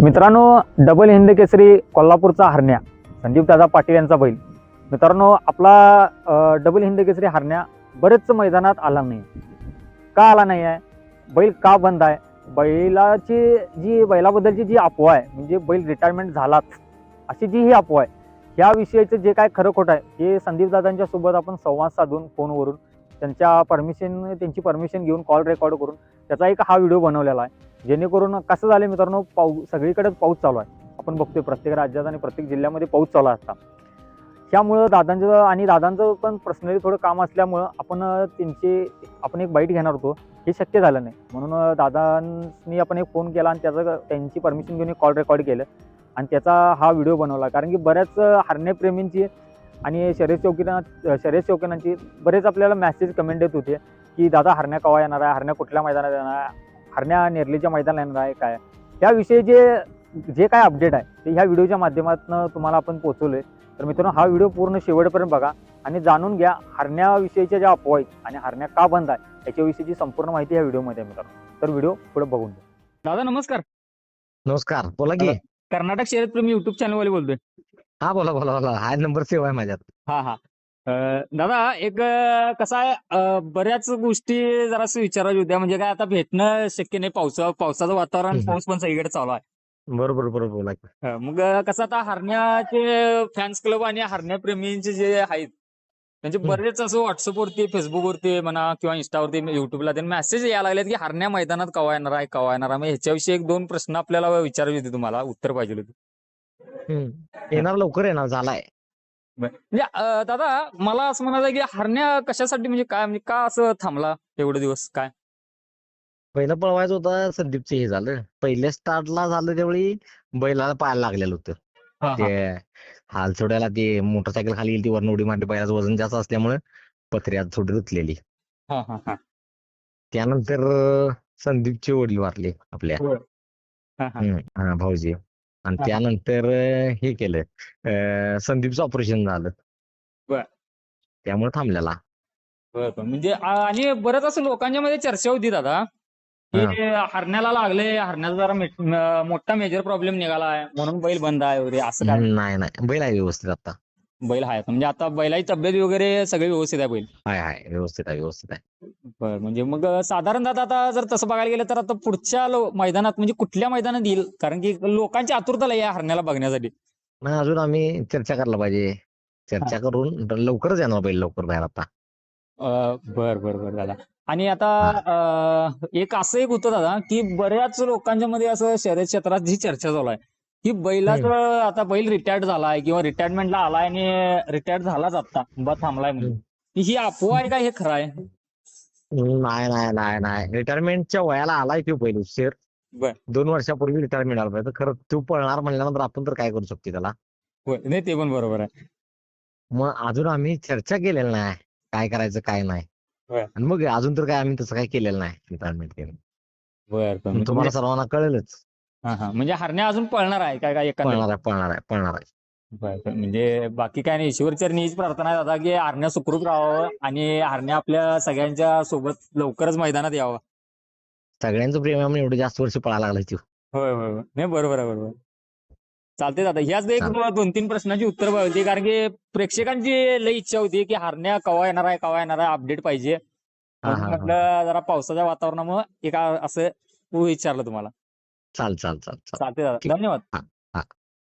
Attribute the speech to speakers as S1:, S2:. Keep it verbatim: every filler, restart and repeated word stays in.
S1: मित्रांनो, डबल हिंद केसरी कोल्हापूरचा हरण्या संदीप दादा पाटील यांचा बैल. मित्रांनो, आपला डबल हिंद केसरी हरण्या बरेच मैदानात आला नाही. का आला नाही आहे? बैल का बंद आहे? बैलाची जी बैलाबद्दलची जी अफवा आहे, म्हणजे बैल रिटायरमेंट झालाच अशी जी ही अफवा आहे, ह्या विषयीचं जे काय खरं खोटं आहे हे संदीप दादांच्या सोबत आपण संवाद साधून फोनवरून त्यांच्या परमिशन त्यांची परमिशन घेऊन कॉल रेकॉर्ड करून त्याचा एक हा व्हिडिओ बनवलेला आहे. जेणेकरून कसं झालं मित्रांनो, पाऊस सगळीकडेच पाऊस चालू आहे. आपण बघतोय प्रत्येक राज्यात आणि प्रत्येक जिल्ह्यामध्ये पाऊस चालू असता. त्यामुळं दादांचं आणि दादांचं पण पर्सनली थोडं काम असल्यामुळं आपण त्यांचे आपण एक बाईट घेणार होतो, हे शक्य झालं नाही. म्हणून दादांनी आपण एक फोन केला आणि त्याचं त्यांची परमिशन घेऊन एक कॉल रेकॉर्ड केलं आणि त्याचा हा व्हिडिओ बनवला. कारण की बऱ्याच हरण्याप्रेमींची आणि शर्यत शौकीना शर्यत शौकीनांची बरेच आपल्याला मेसेज कमेंट येत होते की दादा हरण्या केव्हा येणार आहे, हरण्या कुठल्या मैदानात येणार आहे, हरण्या नेरलीच्या मैदानात येणार आहे काय, त्याविषयी जे जे काय अपडेट आहे ते ह्या व्हिडिओच्या माध्यमातून तुम्हाला आपण पोहोचवले. तर मित्रांनो, हा व्हिडिओ पूर्ण शेवटपर्यंत बघा आणि जाणून घ्या हरण्याविषयीच्या ज्या अफवा आहेत आणि हरण्या का बंद आहे याच्याविषयीची संपूर्ण माहिती ह्या व्हिडिओमध्ये आहे मित्रांनो. तर व्हिडिओ पुढे बघून घ्या. दादा नमस्कार.
S2: नमस्कार, बोला की.
S1: कर्नाटक शर्यतप्रेमी युट्यूब चॅनल वाले बोलतोय.
S2: हा बोला बोला बोला हा नंबर सेव्ह आहे माझ्यात.
S1: हा हा अं, दादा एक अं, कसं आहे, अं, बऱ्याच गोष्टी जरासं विचारायच्या होत्या. म्हणजे काय, आता भेटणं शक्य नाही, पावसा पावसाचं वातावरण,
S2: हम्म.
S1: पाऊस पण सगळीकडे चालू आहे.
S2: बरोबर बरोबर बोला की.
S1: अं, मग अं, कसं आता हरण्याचे फॅन्स क्लब आणि हरण्याप्रेमींचे जे आहेत म्हणजे
S2: हम्म.
S1: बरेच असं व्हॉट्सअपवरती, फेसबुकवरती म्हणा किंवा इंस्टावरती, युट्यूबला ते मेसेज यायला लागलेत की हरण्या मैदानात केव्हा येणार आहे केव्हा येणार आहे. मग ह्याच्याविषयी एक दोन प्रश्न आपल्याला विचारायचे होते, तुम्हाला उत्तर पाहिजे होते.
S2: हम्म. येणार लवकर येणार झालाय.
S1: म्हणजे अं, दादा मला असं म्हणायचं की हरण्या कशासाठी, म्हणजे काय, म्हणजे का असं थांबला एवढे दिवस, काय?
S2: पहिलं पळवायचं होतं, संदीपचं हे झालं. पहिल्या स्टार्टला झालं त्यावेळी बैलाला पायाला लागलेलं होतं.
S1: हा हा
S2: ते हाल सोडायला ते मोटरसायकल खाली गेली, ती वरनं उडी मारली. बैलाचं वजन जास्त असल्यामुळे पत्री आज थोडी रुतलेली.
S1: हा हा हा
S2: त्यानंतर अं, संदीपचे वडील वारले आपल्या.
S1: होय. हा हा
S2: हम्म. हा, भाऊजी. आणि
S1: हा हा
S2: त्यानंतर अं, हे केलं, अं, संदीपचं ऑपरेशन झालं.
S1: बर
S2: त्यामुळे थांबलेला.
S1: बर बर. म्हणजे आ- आणि बरंच असं लोकांच्या मध्ये चर्चा होती दादा की
S2: हा.
S1: हरण्याला लागले, हरण्याचा जरा मे- म- मोठा मेजर प्रॉब्लेम निघालाय म्हणून बैल बंद आहे वगैरे, असं काय?
S2: नाही नाही, बैल आहे व्यवस्थित आता.
S1: बैल आहे म्हणजे आता बैलाची तब्येत वगैरे सगळी व्यवस्थित आहे बैल?
S2: आहे आहे व्यवस्थित आहे व्यवस्थित आहे.
S1: बर. म्हणजे मग साधारण दादा आता जर तसं बघायला गेलं तर आता पुढच्या लो- मैदानात म्हणजे कुठल्या मैदानात येईल? कारण की लोकांची आतुरता लई आहे हरण्याला बघण्यासाठी.
S2: नाही, अजून आम्ही चर्चा करायला पाहिजे. चर्चा करून लवकरच येणार बैल, लवकर बाहेर आता.
S1: अं, बर बर बर दादा. आणि आता
S2: हा.
S1: अं, एक असं एक होतं दादा की बऱ्याच लोकांच्या मध्ये असं शर्यत क्षेत्रात जी चर्चा चालू आहे की बैलाचं,
S2: हम्म.
S1: आता बैल रिटायर्ड झालाय किंवा रिटायरमेंटला आलाय आणि रिटायर्ड झालाच आता बा थांबलाय म्हणून,
S2: हम्म.
S1: ही अफवा आहे का, हे खरं आहे?
S2: नाही नाही नाही नाही, रिटायरमेंटच्या वयाला आलाय तो बैल उशीर.
S1: बर.
S2: दोन वर्षापूर्वी रिटायरमेंट आला पाहिजे. खरं तो पळणार म्हणल्यानंतर आपण तर काय करू शकतो त्याला.
S1: होय. नाही, ते पण बरोबर आहे.
S2: मग अजून आम्ही चर्चा केलेली नाही काय करायचं काय नाही.
S1: होय.
S2: आणि मग अजून तर काय आम्ही तसं काय केलेलं नाही रिटायरमेंट केलं.
S1: बर बर. म्हणजे
S2: तुम्हाला सर्वांना कळेलच.
S1: हा हा म्हणजे हरण्या अजून पळणार आहे काय काय एकंदरीत?
S2: पळणार आहे पळणार आहे पळणार आहे.
S1: बर बर. म्हणजे बाकी काय नाही, ईश्वरचरणी हीच प्रार्थना आहे दादा की हरण्या सुखरूप राहावं आणि हरण्या आपल्या सगळ्यांच्या सोबत लवकरच मैदानात यावं.
S2: सगळ्यांचं प्रेम आहे म्हणून एवढे जास्त वर्ष पळायला लागलाय तो.
S1: होय होय होय. नाही, बरोबर आहे, बरोबर. चालते दादा. ह्याच एक
S2: चालेल.
S1: दोन तीन प्रश्नांची उत्तर होती, कारण की प्रेक्षकांची लई इच्छा होती की हरण्या केव्हा येणार आहे केव्हा येणार आहे, अपडेट पाहिजे.
S2: हा
S1: म्हणून
S2: हा हा.
S1: म्हटलं जरा पावसाच्या वातावरणामुळे एक असं विचारलं तुम्हाला.
S2: चाल चाल चाल चाल.
S1: चालते दादा,
S2: ठीक.
S1: धन्यवाद.
S2: हा हा.